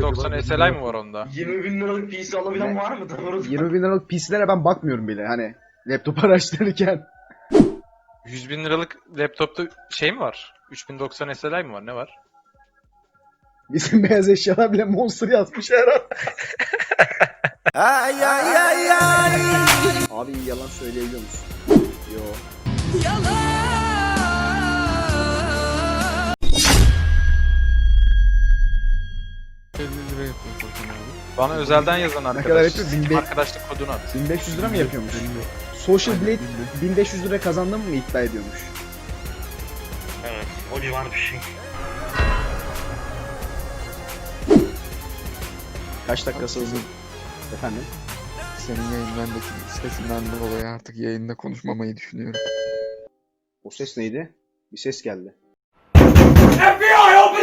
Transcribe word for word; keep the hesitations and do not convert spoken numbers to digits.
doksan S L I mi var onda? yirmi bin liralık P C alabilen Ne? var mı? Doğru. yirmi bin liralık P C'lere ben bakmıyorum bile hani laptop araştırırken. yüz bin liralık laptopta şey mi var? üç bin doksan S L I mi var? Ne var? Bizim beyaz eşyalar bile Monster yazmış herhalde. Ay ay ay ay. Abi yalan söyleyebiliyor musun? Yo. elli lira yapıyor Furkan abi. Bana özelden yazan kadar arkadaş. yapıyor? bin beş- Arkadaşlık kodunu at. bin beş yüz lira mı yapıyormuş? Social Blade bin beş yüz lira kazandım mı iddia ediyormuş? Evet. O civar bir şey. Kaç dakikası hızlı? Efendim? Senin yayınlarındaki sesinden dolayı artık yayında konuşmamayı düşünüyorum. O ses neydi? Bir ses geldi. F B I open